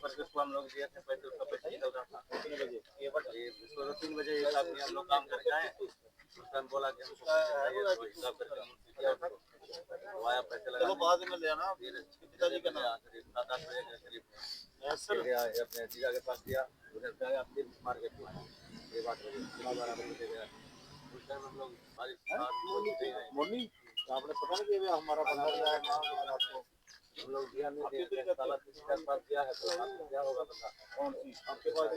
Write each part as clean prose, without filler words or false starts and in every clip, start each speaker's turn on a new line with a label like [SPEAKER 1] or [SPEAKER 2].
[SPEAKER 1] करके उसको हम लोग दिए थे पैसे, उसका पैसा निकल रहा था। कितने बजे? ये 3 बजे हिसाब में हम लोग काम करके आए। उस टाइम बोला कि हमको हिसाब करके दिया उसको, वो आया पैसे लगा। चलो बाद में ले आना। पिताजी का नाम 7-8 बजे के करीब गया अपने जीजा के पास गया, उधर से आया फिर मार्केट में आया। ये बात हो गई 12 बजे गया। उस टाइम हम लोग बारिश मॉर्निंग आपने पता नहीं कि हमारा बंदा गया है आपको हम लोग ध्यान नहीं दिए। साला किसी के पास गया है तो क्या होगा पता कौन सी आपके पास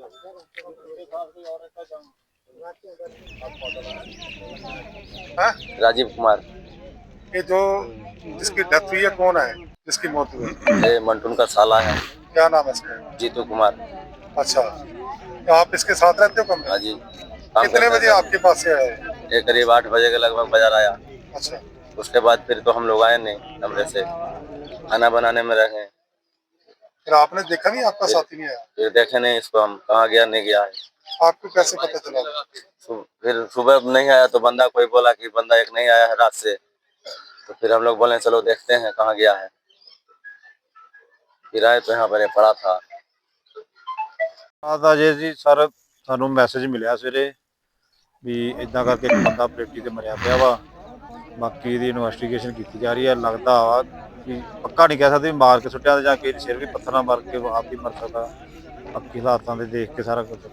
[SPEAKER 1] राजीव कुमार।
[SPEAKER 2] ये जो जिसकी डेथ हुई है कौन है, जिसकी मौत हुई?
[SPEAKER 1] ये मंटून का साला है।
[SPEAKER 2] क्या नाम है इसका?
[SPEAKER 1] जीतू कुमार।
[SPEAKER 2] अच्छा, तो आप इसके साथ रहते हो कमरे?
[SPEAKER 1] हाँ जी।
[SPEAKER 2] कितने बजे आपके पास से आए?
[SPEAKER 1] ये करीब 8 बजे के लगभग बाजार आया।
[SPEAKER 2] अच्छा,
[SPEAKER 1] उसके बाद फिर तो हम लोग आए नहीं, कमरे से खाना बनाने में रहे।
[SPEAKER 2] फिर आपने देखा नहीं आपका साथी नहीं आया?
[SPEAKER 1] फिर देखे नहीं इसको, हम कहाँ गया नहीं गया है।
[SPEAKER 2] आपको कैसे पता चला?
[SPEAKER 1] फिर सुबह नहीं आया तो बंदा कोई बोला कि बंदा एक नहीं आया है रात से, तो फिर हम लोग बोले चलो देखते हैं कहाँ गया है। फिर आए तो यहाँ पर ये पड़ा था।
[SPEAKER 3] जी सर सानू मैसेज मिलिया सवेरे भी इदा करके एक बंदा पलेटी ते मरिया पिया वा। बाकी इहदी इन्वेस्टिगेशन की जा रही है। लगता वा कि पक्का नहीं कह सकते मार के सुट्टिया जां कि सिर भी पत्थर मार के आप भी मर सकता। बाकी हालातां दे देख के सारा कुछ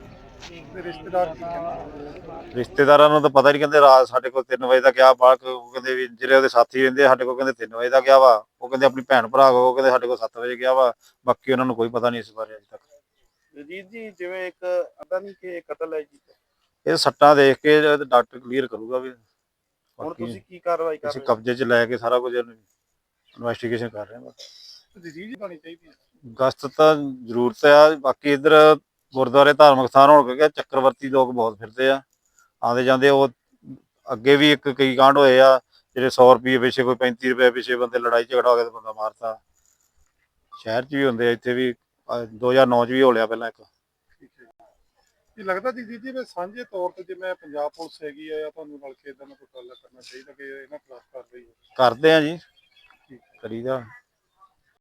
[SPEAKER 3] रिश्तेदारां नूं तां पता नहीं, कहते रात साडे कोल 3 वजे दा गया बाहर, कहते भी जिहड़े ਉਹਦੇ साथी रहिंदे साडे कोल कहते 3 वजे दा गया वा। ਉਹ कहते अपनी भैन भरा को कहते साडे कोल 7 वजे गया वा। बाकी ਉਹਨਾਂ ਨੂੰ ਕੋਈ ਪਤਾ ਨਹੀਂ ਇਸ ਬਾਰੇ ਅਜੇ ਤੱਕ।
[SPEAKER 2] ਰਜੀਤ ਜੀ ਜਿਵੇਂ ਇੱਕ ਅੱਧਾ ਨਹੀਂ ਕਿ ਕਤਲ ਹੈ ਜੀ,
[SPEAKER 3] ਇਹ ਸੱਟਾਂ ਦੇਖ ਕੇ ਡਾਕਟਰ ਕਲੀਅਰ ਕਰੂਗਾ ਵੀ।
[SPEAKER 2] ਹੁਣ ਤੁਸੀਂ ਕੀ ਕਾਰਵਾਈ ਕਰ
[SPEAKER 3] ਅਸੀਂ
[SPEAKER 2] ਰਹੇ ਹੋ?
[SPEAKER 3] ਕਬਜ਼ੇ 'ਚ ਲੈ ਕੇ ਸਾਰਾ ਕੁਝ ਇਨਵੈਸਟੀਗੇਸ਼ਨ ਕਰ ਰਹੇ ਹਾਂ।
[SPEAKER 2] ਰਜੀਤ ਜੀ ਹੋਣੀ ਚਾਹੀਦੀ ਹੈ।
[SPEAKER 3] ਗਸ਼ਤ ਤਾਂ ਜ਼ਰੂਰਤ ਆ। ਬਾਕੀ ਇੱਧਰ ਗੁਰਦੁਆਰੇ ਧਾਰਮਿਕ ਸਥਾਨ ਹੋਣ ਕਰਕੇ ਚੱਕਰਵਰਤੀ ਲੋਕ ਬਹੁਤ ਫਿਰਦੇ ਆ ਆਉਂਦੇ ਜਾਂਦੇ। ਉਹ ਅੱਗੇ ਵੀ ਕਈ ਕਾਂਡ ਹੋਏ ਆ ਜਿਹੜੇ 100 ਰੁਪਏ ਪਿੱਛੇ, ਕੋਈ 35 ਰੁਪਏ ਪਿੱਛੇ ਬੰਦੇ ਲੜਾਈ ਝਗੜਾ ਹੋ ਗਿਆ ਤੇ ਬੰਦਾ ਮਾਰਤਾ। ਸ਼ਹਿਰ 'ਚ ਵੀ ਹੁੰਦੇ ਆ, ਇੱਥੇ ਵੀ 2009 'ਚ ਵੀ ਹੋ ਲਿਆ ਪਹਿਲਾਂ ਇੱਕ।
[SPEAKER 2] ਇਹ ਲੱਗਦਾ ਜਗਜੀਤ ਜੀ ਵੀ ਸਾਂਝੇ ਤੌਰ ਤੇ ਜਿਵੇਂ ਪੰਜਾਬ ਪੁਲਿਸ ਹੈਗੀ ਆ ਜਾਂ ਤੁਹਾਨੂੰ ਮਿਲ ਕੇ ਇਦਾਂ ਦਾ ਕੋਈ ਗੱਲ ਕਰਨਾ ਚਾਹੀਦਾ ਕਿ ਇਹਨਾਂ ਖਿਲਾਫ ਕਾਰਵਾਈ
[SPEAKER 3] ਕਰਦੇ ਆ ਜੀ, ਕਰੀਦਾ।